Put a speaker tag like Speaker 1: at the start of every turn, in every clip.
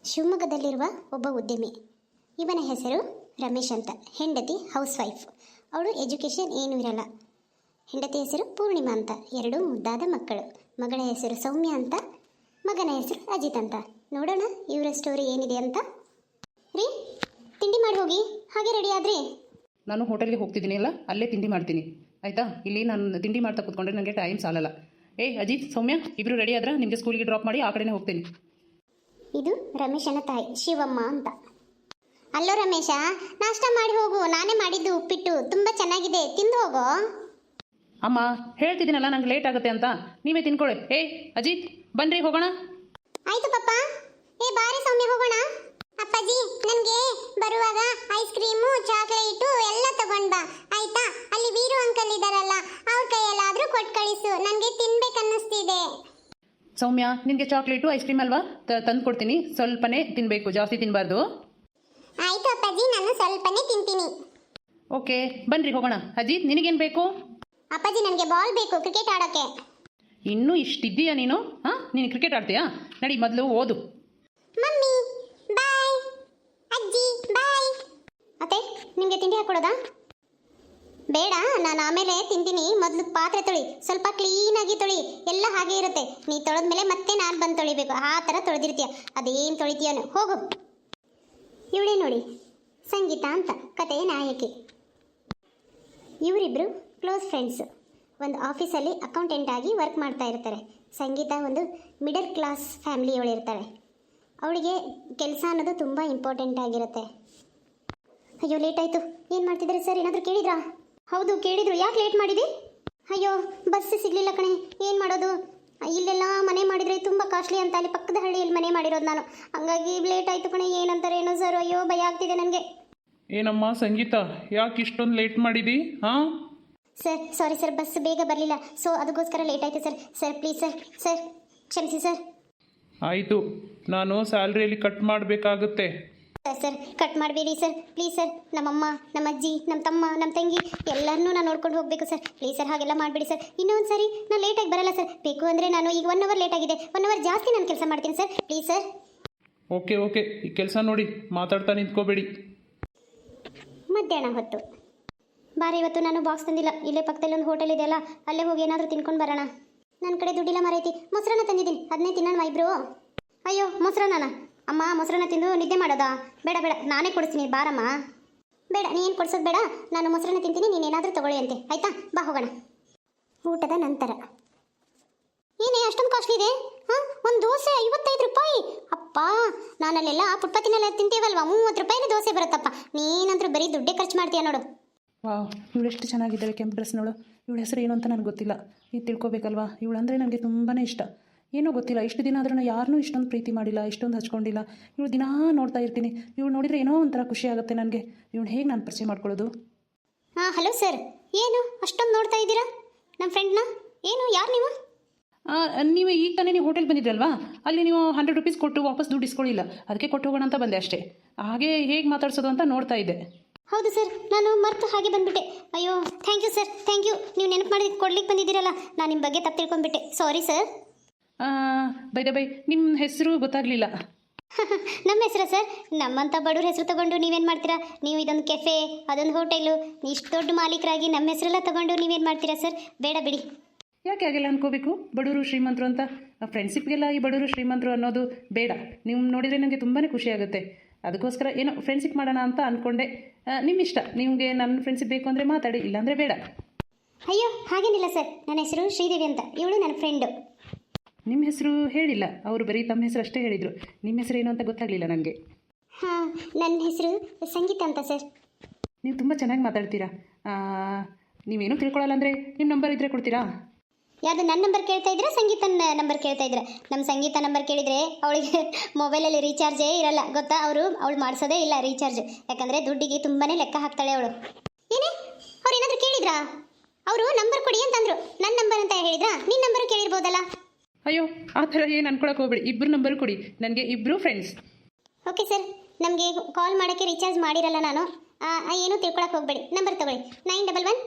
Speaker 1: ಶಿವಮೊಗ್ಗದಲ್ಲಿರುವ ಒಬ್ಬ ಉದ್ಯಮಿ. ಇವನ ಹೆಸರು ರಮೇಶ್ ಅಂತ. ಹೆಂಡತಿ ಹೌಸ್ ವೈಫ್. ಅವಳು ಎಜುಕೇಷನ್ ಏನೂ ಇರಲ್ಲ. ಹೆಂಡತಿ ಹೆಸರು ಪೂರ್ಣಿಮಾ ಅಂತ. 2 ಮುದ್ದಾದ ಮಕ್ಕಳು. ಮಗಳ ಹೆಸರು ಸೌಮ್ಯ ಅಂತ, ಮಗನ ಹೆಸರು ಅಜಿತ್ ಅಂತ. ನೋಡೋಣ ಇವರ ಸ್ಟೋರಿ ಏನಿದೆ ಅಂತ. ರೀ, ತಿಂಡಿ ಮಾಡಿ ಹೋಗಿ. ಹಾಗೆ ರೆಡಿ ಆದ್ರಿ?
Speaker 2: ನಾನು ಹೋಟೆಲ್ಗೆ ಹೋಗ್ತಿದ್ದೀನಿ ಅಲ್ಲ, ಅಲ್ಲೇ ತಿಂಡಿ ಮಾಡ್ತೀನಿ ಆಯಿತಾ. ಇಲ್ಲಿ ನಾನು ತಿಂಡಿ ಮಾಡ್ತಾ ಕೂತ್ಕೊಂಡ್ರೆ ನನಗೆ ಟೈಮ್ ಸಾಲಲ್ಲ. ಅಜಿತ್, ಸೌಮ್ಯ ಇಬ್ಬರು ರೆಡಿ ಆದ್ರೆ ನಿಮಗೆ ಸ್ಕೂಲಿಗೆ ಡ್ರಾಪ್ ಮಾಡಿ ಆ ಕಡೆನೇ ಹೋಗ್ತೀನಿ.
Speaker 1: ಇದು ರಮೇಶನ ತಾಯಿ ಶಿವಮ್ಮ ಅಂತ. ಅಲ್ಲೋ ರಮೇಶ, ನಾಷ್ಟ ಮಾಡಿ ಹೋಗು. ನಾನೇ ಮಾಡಿದ್ದು ಉಪ್ಪಿಟ್ಟು ತುಂಬ ಚೆನ್ನಾಗಿದೆ, ತಿಂದು ಹೋಗೋ.
Speaker 2: ಅಮ್ಮ ಹೇಳ್ತಿದ್ದೀನಲ್ಲ, ನಂಗೆ ಲೇಟ್ ಆಗುತ್ತೆ ಅಂತ. ನೀವೇ ತಿನ್ಕೊಳ್ಳಿ. ಅಜಿತ್ ಬನ್ನಿರಿ ಹೋಗೋಣ.
Speaker 1: ಆಯ್ತು ಪಪ್ಪ. ಬಾರಿ ಸೌಮ್ಯ, ಹೋಗೋಣ. ಅಪ್ಪಾಜಿ, ನನಗೆ ಬರುವಾಗ ಐಸ್ ಕ್ರೀಮು, ಚಾಕ್ಲೇಟು ಎಲ್ಲ ತಗೊಂಡ್ ಬಾ ಆಯ್ತಾ. ಅಲ್ಲಿ ವೀರು ಅಂಕಲ್ ಇದಾರಲ್ಲ, ಅವ್ರ ಕೈಯಲ್ಲಾದ್ರೂ ಕೊಟ್ಟು ಕಳಿಸು. ನನಗೆ ತಿನ್ಬೇಕನ್ನಿಸ್ತಿದೆ.
Speaker 2: ಸೌಮ್ಯ, ನಿನಗೆ ಚಾಕ್ಲೇಟು ಐಸ್ ಕ್ರೀಮ್ ಅಲ್ವಾ, ತಂದು ಕೊಡ್ತೀನಿ. ಸ್ವಲ್ಪನೇ ತಿನ್ನಬೇಕು, ಜಾಸ್ತಿ ತಿನ್ನಬಾರ್ದು.
Speaker 1: ಆಯ್ತು ಅಪ್ಪಾಜಿ, ನಾನು ಸ್ವಲ್ಪನೇ ತಿಂತೀನಿ.
Speaker 2: ಓಕೆ, ಬನ್ನಿರಿ ಹೋಗೋಣ. ಅಜಿತ್, ನಿನಗೇನು ಬೇಕು?
Speaker 1: ಅಪ್ಪಾಜಿ, ನನಗೆ ಬಾಲ್ ಬೇಕು ಕ್ರಿಕೆಟ್ ಆಡೋಕ್ಕೆ.
Speaker 2: ಇನ್ನೂ ಇಷ್ಟಿದ್ದೀಯಾ ನೀನು? ನೀನು ಕ್ರಿಕೆಟ್ ಆಡ್ತೀಯಾ? ನಡಿ, ಮೊದಲು ಓದು.
Speaker 1: ಮಮ್ಮಿ ಬಾಯ್, ಅಜ್ಜಿ ಬಾಯ್. ಅತ್ತೆ, ನಿಮಗೆ ತಿಂಡಿ ಹಾಕೊಡೋದಾ? ಬೇಡ, ನಾನು ಆಮೇಲೆ ತಿಂತೀನಿ. ಮೊದಲು ಪಾತ್ರೆ ತೊಳಿ, ಸ್ವಲ್ಪ ಕ್ಲೀನಾಗಿ ತೊಳಿ. ಎಲ್ಲ ಹಾಗೆ ಇರುತ್ತೆ. ನೀ ತೊಳೆದ್ಮೇಲೆ ಮತ್ತೆ ನಾನು ಬಂದು ತೊಳಿಬೇಕು. ಆ ಥರ ತೊಳೆದಿರ್ತೀಯ. ಅದೇನು ತೊಳಿತೀಯನು, ಹೋಗು. ಇವಳೇ ನೋಡಿ, ಸಂಗೀತ ಅಂತ, ಕಥೆಯ ನಾಯಕಿ. ಇವರಿಬ್ಬರು ಕ್ಲೋಸ್ ಫ್ರೆಂಡ್ಸು. ಒಂದು ಆಫೀಸಲ್ಲಿ ಅಕೌಂಟೆಂಟ್ ಆಗಿ ವರ್ಕ್ ಮಾಡ್ತಾ ಇರ್ತಾರೆ. ಸಂಗೀತ ಒಂದು ಮಿಡಲ್ ಕ್ಲಾಸ್ ಫ್ಯಾಮಿಲಿಯವಳಿರ್ತಾಳೆ. ಅವಳಿಗೆ ಕೆಲಸ ಅನ್ನೋದು ತುಂಬ ಇಂಪಾರ್ಟೆಂಟ್ ಆಗಿರುತ್ತೆ. ಅಯ್ಯೋ, ಲೇಟ್ ಆಯಿತು. ಏನು ಮಾಡ್ತಿದ್ದಾರೆ ಸರ್? ಏನಾದರೂ ಕೇಳಿದ್ರಾ? ಹೌದು ಕೇಳಿದ್ರು. ಯಾಕೆ ಲೇಟ್ ಮಾಡಿದೆ? ಅಯ್ಯೋ, ಬಸ್ ಸಿಗಲಿಲ್ಲ ಕಣೆ. ಏನು ಮಾಡೋದು? ಇಲ್ಲೆಲ್ಲ ಮನೆ ಮಾಡಿದರೆ ತುಂಬ ಕಾಸ್ಟ್ಲಿ ಅಂತ. ಅಲ್ಲಿ ಪಕ್ಕದ ಹಳ್ಳಿಯಲ್ಲಿ ಮನೆ ಮಾಡಿರೋದು ನಾನು. ಹಂಗಾಗಿ ಲೇಟ್ ಆಯಿತು ಕಣೆ. ಏನಂತಾರೆ ಏನೋ ಸರ್. ಅಯ್ಯೋ, ಭಯ ಆಗ್ತಿದೆ ನನಗೆ.
Speaker 3: ಏನಮ್ಮ ಸಂಗೀತ, ಯಾಕೆ ಇಷ್ಟೊಂದು ಲೇಟ್ ಮಾಡಿದಿ?
Speaker 1: ಸರ್, ಸಾರಿ ಸರ್, ಬಸ್ ಬೇಗ ಬರಲಿಲ್ಲ. ಸೊ ಅದಕ್ಕೋಸ್ಕರ ಲೇಟ್ ಆಯಿತು ಸರ್. ಸರ್ ಪ್ಲೀಸ್ ಸರ್ ಕ್ಷಮಿಸಿ ಸರ್.
Speaker 3: ಆಯಿತು, ನಾನು ಸ್ಯಾಲ್ರಿಯಲ್ಲಿ ಕಟ್ ಮಾಡಬೇಕಾಗುತ್ತೆ.
Speaker 1: ಸರ್ ಕಟ್ ಮಾಡಬೇಡಿ ಸರ್, ಪ್ಲೀಸ್ ಸರ್. ನಮ್ಮಮ್ಮ, ನಮ್ಮ ಅಜ್ಜಿ, ನಮ್ಮ ತಮ್ಮ, ನಮ್ಮ ತಂಗಿ ಎಲ್ಲರನ್ನೂ ನಾನು ನೋಡ್ಕೊಂಡು ಹೋಗಬೇಕು ಸರ್. ಪ್ಲೀಸ್ ಸರ್, ಹಾಗೆಲ್ಲ ಮಾಡಬೇಡಿ ಸರ್. ಇನ್ನೊಂದು ಸಾರಿ ನಾನು ಲೇಟಾಗಿ ಬರಲ್ಲ ಸರ್. ಬೇಕು ಅಂದರೆ ನಾನು ಈಗ 1 ಅವರ್ ಲೇಟ್ ಆಗಿದೆ, 1 ಅವರ್ ಜಾಸ್ತಿ ನಾನು ಕೆಲಸ ಮಾಡ್ತೀನಿ ಸರ್. Please sir.
Speaker 3: ಓಕೆ, ಈ ಕೆಲಸ ನೋಡಿ, ಮಾತಾಡ್ತಾ ನಿಂತ್ಕೋಬೇಡಿ.
Speaker 1: ಮಧ್ಯಾಹ್ನ ಹೊತ್ತು ಬಾರಿ. ಇವತ್ತು ನಾನು ಬಾಕ್ಸ್ ತಂದಿಲ್ಲ. ಇಲ್ಲೇ ಪಕ್ಕದಲ್ಲಿ ಒಂದು ಹೋಟೆಲ್ ಇದೆಯಲ್ಲ, ಅಲ್ಲೇ ಹೋಗಿ ಏನಾದರೂ ತಿನ್ಕೊಂಡು ಬರೋಣ. ನನ್ನ ಕಡೆ ದುಡ್ಡಿಲ್ಲ ಮರೈತಿ. ಮೊಸರನ್ನ ತಂದಿದ್ದೀನಿ, ಅದನ್ನೇ ತಿನ್ನೋಣ ಇಬ್ರು. ಅಯ್ಯೋ, ಮೊಸರನ್ನ ಅಮ್ಮ, ಮೊಸರನ್ನ ತಿಂದು ನಿದ್ದೆ ಮಾಡೋದಾ? ಬೇಡ, ನಾನೇ ಕೊಡಿಸ್ತೀನಿ, ಬಾರಮ್ಮ. ಬೇಡ, ನೀನು ಕೊಡ್ಸೋದು ಬೇಡ. ನಾನು ಮೊಸರನ್ನ ತಿಂತೀನಿ, ನೀನೇನಾದರೂ ತಗೊಳ್ಳಿ ಅಂತೆ. ಆಯಿತಾ, ಬಾ ಹೋಗೋಣ. ಊಟದ ನಂತರ. ಏನೇ ಅಷ್ಟೊಂದು ಕಾಸ್ಟ್ಲಿ ಇದೆ? ಒಂದು ದೋಸೆ 55 ರೂಪಾಯಿ. ಅಪ್ಪ, ನಾನಲ್ಲೆಲ್ಲ ಫುಟ್ಪಾತಿನೆಲ್ಲ ತಿಂತೀವಲ್ವಾ, 30 ರೂಪಾಯಿನೇ ದೋಸೆ ಬರುತ್ತಪ್ಪ. ನೀನಂತರೂ ಬರೀ ದುಡ್ಡೇ ಖರ್ಚು ಮಾಡ್ತೀಯ ನೋಡು.
Speaker 2: ವಾವ್, ಇವಳು ಎಷ್ಟು ಚೆನ್ನಾಗಿದ್ದಾಳೆ ಕೆಂಪು ಡ್ರೆಸ್ನವಳು. ಇವಳ ಹೆಸರು ಏನು ಅಂತ ನನಗೆ ಗೊತ್ತಿಲ್ಲ. ಇದು ತಿಳ್ಕೊಬೇಕಲ್ವಾ. ಇವಳು ಅಂದರೆ ನನಗೆ ತುಂಬಾ ಇಷ್ಟ. ಏನೋ ಗೊತ್ತಿಲ್ಲ, ಇಷ್ಟು ದಿನ ಆದ್ರೂ ಯಾರನ್ನೂ ಇಷ್ಟೊಂದು ಪ್ರೀತಿ ಮಾಡಿಲ್ಲ, ಇಷ್ಟೊಂದು ಹಚ್ಕೊಂಡಿಲ್ಲ. ಇವಳು ದಿನಾ ನೋಡ್ತಾ ಇರ್ತೀನಿ. ಇವಳು ನೋಡಿದರೆ ಏನೋ ಒಂಥರ ಖುಷಿ ಆಗುತ್ತೆ ನನಗೆ. ಇವಳು ಹೇಗೆ ನಾನು ಪರಿಚಯ ಮಾಡ್ಕೊಳ್ಳೋದು?
Speaker 1: Hello sir. ಏನು ಅಷ್ಟೊಂದು ನೋಡ್ತಾ ಇದ್ದೀರಾ ನಮ್ಮ ಫ್ರೆಂಡ್ನ? ಏನು, ಯಾರು ನೀವು?
Speaker 2: ನೀವು ಈಗ ತಾನೇ ನೀವು ಹೋಟೆಲ್ ಬಂದಿದ್ರಲ್ವಾ, ಅಲ್ಲಿ ನೀವು 100 ರೂಪೀಸ್ ಕೊಟ್ಟು ವಾಪಸ್ ದುಡ್ಡು ಇಸ್ಕೊಳ್ಳಿಲ್ಲ. ಅದಕ್ಕೆ ಕೊಟ್ಟು ಹೋಗೋಣ ಅಂತ ಬಂದೆ ಅಷ್ಟೇ. ಹಾಗೆ ಹೇಗೆ ಮಾತಾಡ್ಸೋದು ಅಂತ ನೋಡ್ತಾ ಇದ್ದೆ.
Speaker 1: ಹೌದು ಸರ್, ನಾನು ಮರ್ತು ಹಾಗೆ ಬಂದುಬಿಟ್ಟೆ. ಅಯ್ಯೋ, thank you sir, thank you. ನೀವು ನೆನಪು ಮಾಡಿ ಕೊಡ್ಲಿಕ್ಕೆ ಬಂದಿದ್ದೀರಲ್ಲ, ನಾನು ನಿಮ್ಮ ಬಗ್ಗೆ ತಪ್ಪು ತಿಳ್ಕೊಂಡ್ಬಿಟ್ಟೆ. Sorry sir.
Speaker 2: ಬೈ ನಿಮ್ಮ ಹೆಸರು ಗೊತ್ತಾಗಲಿಲ್ಲ.
Speaker 1: ನಮ್ಮ ಹೆಸರು ಸರ್? ನಮ್ಮಂಥ ಬಡವ್ರ ಹೆಸರು ತಗೊಂಡು ನೀವೇನು ಮಾಡ್ತೀರಾ? ನೀವು ಇದೊಂದು ಕೆಫೆ, ಅದೊಂದು ಹೋಟೆಲು, ಇಷ್ಟು ದೊಡ್ಡ ಮಾಲೀಕರಾಗಿ ನಮ್ಮ ಹೆಸರೆಲ್ಲ ತಗೊಂಡು ನೀವೇನು ಮಾಡ್ತೀರಾ ಸರ್? ಬೇಡ ಬಿಡಿ.
Speaker 2: ಯಾಕೆ ಹಾಗೆಲ್ಲ ಅನ್ಕೋಬೇಕು? ಬಡವರು ಶ್ರೀಮಂತರು ಅಂತ ಫ್ರೆಂಡ್ಶಿಪ್ಗೆಲ್ಲ ಈ ಬಡವರು ಶ್ರೀಮಂತರು ಅನ್ನೋದು ಬೇಡ. ನೀವು ನೋಡಿದರೆ ನನಗೆ ತುಂಬಾ ಖುಷಿ ಆಗುತ್ತೆ. ಅದಕ್ಕೋಸ್ಕರ ಏನೋ ಫ್ರೆಂಡ್ಶಿಪ್ ಮಾಡೋಣ ಅಂತ ಅಂದ್ಕೊಂಡೆ. ನಿಮ್ಮ ಇಷ್ಟ. ನಿಮಗೆ ನನ್ನ ಫ್ರೆಂಡ್ಶಿಪ್ ಬೇಕು ಅಂದರೆ ಮಾತಾಡಿ, ಇಲ್ಲಾಂದರೆ ಬೇಡ.
Speaker 1: ಅಯ್ಯೋ, ಹಾಗೇನಿಲ್ಲ ಸರ್. ನನ್ನ ಹೆಸರು ಶ್ರೀದೇವಿ ಅಂತ. ಇವಳು ನನ್ನ ಫ್ರೆಂಡು.
Speaker 2: ನಿಮ್ಮ ಹೆಸರು ಹೇಳಿಲ್ಲ ಅವರು, ಬರೀ ತಮ್ಮ ಹೆಸರು ಅಷ್ಟೇ ಹೇಳಿದರು. ನಿಮ್ಮ ಹೆಸರು ಏನು ಅಂತ ಗೊತ್ತಾಗಲಿಲ್ಲ ನನಗೆ.
Speaker 1: ನನ್ನ ಹೆಸರು ಸಂಗೀತ ಅಂತ ಸರ್.
Speaker 2: ನೀವು ತುಂಬ ಚೆನ್ನಾಗಿ ಮಾತಾಡ್ತೀರಾ. ನೀವೇನು ತಿಳ್ಕೊಳ್ಳಲ್ಲ ಅಂದರೆ ನಿಮ್ಮ ನಂಬರ್ ಇದ್ದರೆ ಕೊಡ್ತೀರಾ?
Speaker 1: ಯಾವುದು, ನನ್ನ ನಂಬರ್ ಕೇಳ್ತಾ ಇದ್ದೀರಾ ಸಂಗೀತನ ನಂಬರ್ ಕೇಳ್ತಾ ಇದ್ದೀರಾ? ನಮ್ಮ ಸಂಗೀತ ನಂಬರ್ ಕೇಳಿದರೆ ಅವಳಿಗೆ ಮೊಬೈಲಲ್ಲಿ ರೀಚಾರ್ಜೇ ಇರಲ್ಲ ಗೊತ್ತಾ. ಅವಳು ಮಾಡಿಸೋದೇ ಇಲ್ಲ ರೀಚಾರ್ಜ್. ಯಾಕಂದರೆ ದುಡ್ಡಿಗೆ ತುಂಬಾ ಲೆಕ್ಕ ಹಾಕ್ತಾಳೆ ಅವಳು. ಏನೇ, ಅವ್ರು ಏನಾದರೂ ಕೇಳಿದ್ರಾ? ಅವರು ನಂಬರ್ ಕೊಡಿ ಅಂತಂದರು. ನನ್ನ ನಂಬರ್ ಅಂತ ಹೇಳಿದ್ರಾ? ನಿನ್ನ ನಂಬರು ಕೇಳಿರ್ಬೋದಲ್ಲ.
Speaker 2: ಅಯ್ಯೋ, ಆ ಥರ ಏನು ಅನ್ಕೊಳಕ್ಕೆ ಹೋಗ್ಬೇಡಿ. ಇಬ್ಬರು ನಂಬರ್ ಕೊಡಿ, ನನಗೆ ಇಬ್ಬರು ಫ್ರೆಂಡ್ಸ್.
Speaker 1: Okay sir. ನಮಗೆ ಕಾಲ್ ಮಾಡೋಕ್ಕೆ ರೀಚಾರ್ಜ್ ಮಾಡಿರಲ್ಲ ನಾನು. ಏನೂ ತಿಳ್ಕೊಳಕ್ಕೆ ಹೋಗಬೇಡಿ. ನಂಬರ್ ತೊಗೊಳ್ಳಿ,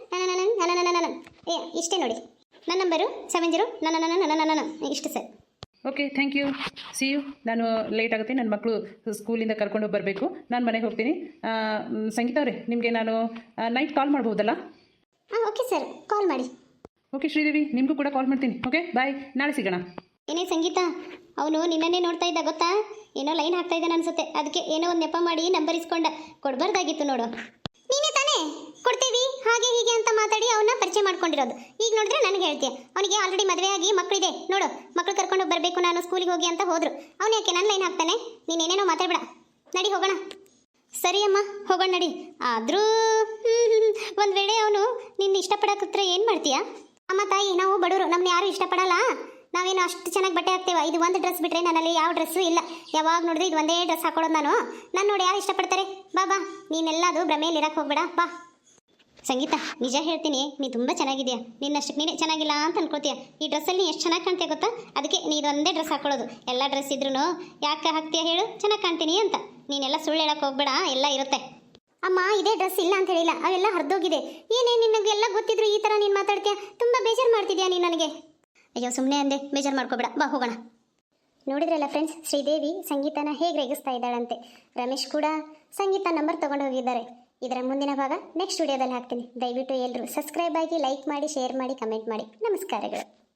Speaker 1: 911 ಇಷ್ಟೇ ನೋಡಿ. ನನ್ನ ನಂಬರು 70 ಇಷ್ಟು sir.
Speaker 2: Okay thank you see you. ನಾನು ಲೇಟ್ ಆಗುತ್ತೆ, ನನ್ನ ಮಕ್ಕಳು ಸ್ಕೂಲಿಂದ ಕರ್ಕೊಂಡು ಬರಬೇಕು, ನಾನು ಮನೆಗೆ ಹೋಗ್ತೀನಿ. ಸಂಗೀತ ಅವರೇ, ನಿಮಗೆ ನಾನು ನೈಟ್ ಕಾಲ್ ಮಾಡ್ಬೋದಲ್ಲ?
Speaker 1: ಹಾಂ ಓಕೆ ಸರ್, ಕಾಲ್ ಮಾಡಿ.
Speaker 2: ಓಕೆ ಶ್ರೀದೇವಿ, ನಿಮಗೂ ಕೂಡ ಕಾಲ್ ಮಾಡ್ತೀನಿ. ಓಕೆ ಬಾಯ್, ನಾಳೆ ಸಿಗೋಣ.
Speaker 1: ಏನೇ ಸಂಗೀತ, ಅವನು ನಿನ್ನನ್ನೇ ನೋಡ್ತಾ ಇದ್ದ ಗೊತ್ತಾ? ಏನೋ ಲೈನ್ ಹಾಕ್ತಾ ಇದ್ದಾನೆ ಅನ್ಸುತ್ತೆ, ಅದಕ್ಕೆ ಏನೋ ಒಂದು ನೆಪ ಮಾಡಿ ನಂಬರ್ ಇಸ್ಕೊಂಡ. ಕೊಡಬಾರ್ದಾಗಿತ್ತು ನೋಡು. ನೀನೇ ತಾನೇ ಕೊಡ್ತೀವಿ ಹಾಗೆ ಹೀಗೆ ಅಂತ ಮಾತಾಡಿ ಅವನ್ನ ಪರಿಚಯ ಮಾಡ್ಕೊಂಡಿರೋದು. ಈಗ ನೋಡಿದ್ರೆ ನನಗೆ ಹೇಳ್ತೀಯ. ಅವನಿಗೆ ಆಲ್ರೆಡಿ ಮದುವೆ ಆಗಿ ಮಕ್ಕಳಿದೆ ನೋಡು. ಮಕ್ಕಳು ಕರ್ಕೊಂಡು ಬರಬೇಕು ನಾನು ಸ್ಕೂಲಿಗೆ ಹೋಗಿ ಅಂತ ಹೋದ್ರು. ಅವನು ಯಾಕೆ ನನ್ನ ಲೈನ್ ಹಾಕ್ತಾನೆ? ನೀನೇನೇನೋ ಮಾತಾಡ್ಬೇಡ, ನಡಿ ಹೋಗೋಣ. ಸರಿ ಅಮ್ಮ, ಹೋಗೋಣ ನಡಿ. ಆದರೂ ಒಂದು ವೇಳೆ ಅವನು ನಿನ್ನ ಇಷ್ಟಪಡೋಕತ್ರ ಏನು ಮಾಡ್ತೀಯಾ? ಅಮ್ಮ ತಾಯಿ, ನಾವು ಬಡವರು, ನಮ್ಮನ್ನ ಯಾರು ಇಷ್ಟಪಡಲ್ಲ. ನಾವೇನು ಅಷ್ಟು ಚೆನ್ನಾಗಿ ಬಟ್ಟೆ ಹಾಕ್ತೇವೆ. ಇದು ಒಂದು ಡ್ರೆಸ್ ಬಿಟ್ಟರೆ ನನ್ನಲ್ಲಿ ಯಾವ ಡ್ರೆಸ್ಸು ಇಲ್ಲ. ಯಾವಾಗ ನೋಡಿದ್ರೆ ಇದು ಒಂದೇ ಡ್ರೆಸ್ ಹಾಕೊಳ್ಳೋದು ನಾನು. ನಾನು ನೋಡಿ ಯಾರು ಇಷ್ಟಪಡ್ತಾರೆ? ಬಾ ಬಾ, ನೀನೆಲ್ಲದು ಭ್ರಮೆಯಲ್ಲಿ ಇರಕ್ಕೆ ಹೋಗ್ಬೇಡ, ಬಾ. ಸಂಗೀತ, ನಿಜ ಹೇಳ್ತೀನಿ, ನೀ ತುಂಬ ಚೆನ್ನಾಗಿದೆಯಾ. ನಿನ್ನಷ್ಟಕ್ಕೆ ನೀನೇ ಚೆನ್ನಾಗಿಲ್ಲ ಅಂತ ಅನ್ಕೋತೀಯ. ಈ ಡ್ರೆಸ್ಸಲ್ಲಿ ನೀ ಎಷ್ಟು ಚೆನ್ನಾಗಿ ಕಾಣ್ತೀಯ ಗೊತ್ತಾ? ಅದಕ್ಕೆ ನೀ ಇದೊಂದೇ ಡ್ರೆಸ್ ಹಾಕೊಳ್ಳೋದು. ಎಲ್ಲ ಡ್ರೆಸ್ ಇದ್ರೂ ಯಾಕೆ ಹಾಕ್ತೀಯ ಹೇಳು? ಚೆನ್ನಾಗಿ ಕಾಣ್ತೀನಿ ಅಂತ. ನೀನೆಲ್ಲ ಸುಳ್ಳು ಹೇಳಕ್ಕೆ ಹೋಗ್ಬೇಡ, ಎಲ್ಲ ಇರುತ್ತೆ. ಅಮ್ಮ, ಇದೇ ಡ್ರೆಸ್ ಇಲ್ಲ ಅಂತ ಹೇಳಿಲ್ಲ, ಅವೆಲ್ಲ ಹರಿದೋಗಿದೆ. ಏನೇ ನಿನಗೆಲ್ಲ ಗೊತ್ತಿದ್ರು ಈ ಥರ ನೀನು ಮಾತಾಡ್ತೀಯ? ತುಂಬ ಬೇಜಾರು ಮಾಡ್ತಿದ್ಯಾ ನೀನು ನನಗೆ. ಅಯ್ಯೋ ಸುಮ್ಮನೆ ಅಂದೆ, ಬೇಜಾರು ಮಾಡ್ಕೋಬೇಡ, ಬಾ ಹೋಗೋಣ. ನೋಡಿದ್ರಲ್ಲ ಫ್ರೆಂಡ್ಸ್, ಶ್ರೀದೇವಿ ಸಂಗೀತನ ಹೇಗೆ ರೇಗಿಸ್ತಾ ಇದ್ದಾಳಂತೆ. ರಮೇಶ್ ಕೂಡ ಸಂಗೀತ ನಂಬರ್ ತೊಗೊಂಡು ಹೋಗಿದ್ದಾರೆ. ಇದರ ಮುಂದಿನ ಭಾಗ ನೆಕ್ಸ್ಟ್ ವಿಡಿಯೋದಲ್ಲಿ ಹಾಕ್ತೀನಿ. ದಯವಿಟ್ಟು ಎಲ್ಲರೂ ಸಬ್ಸ್ಕ್ರೈಬ್ ಆಗಿ, ಲೈಕ್ ಮಾಡಿ, ಶೇರ್ ಮಾಡಿ, ಕಮೆಂಟ್ ಮಾಡಿ. ನಮಸ್ಕಾರಗಳು.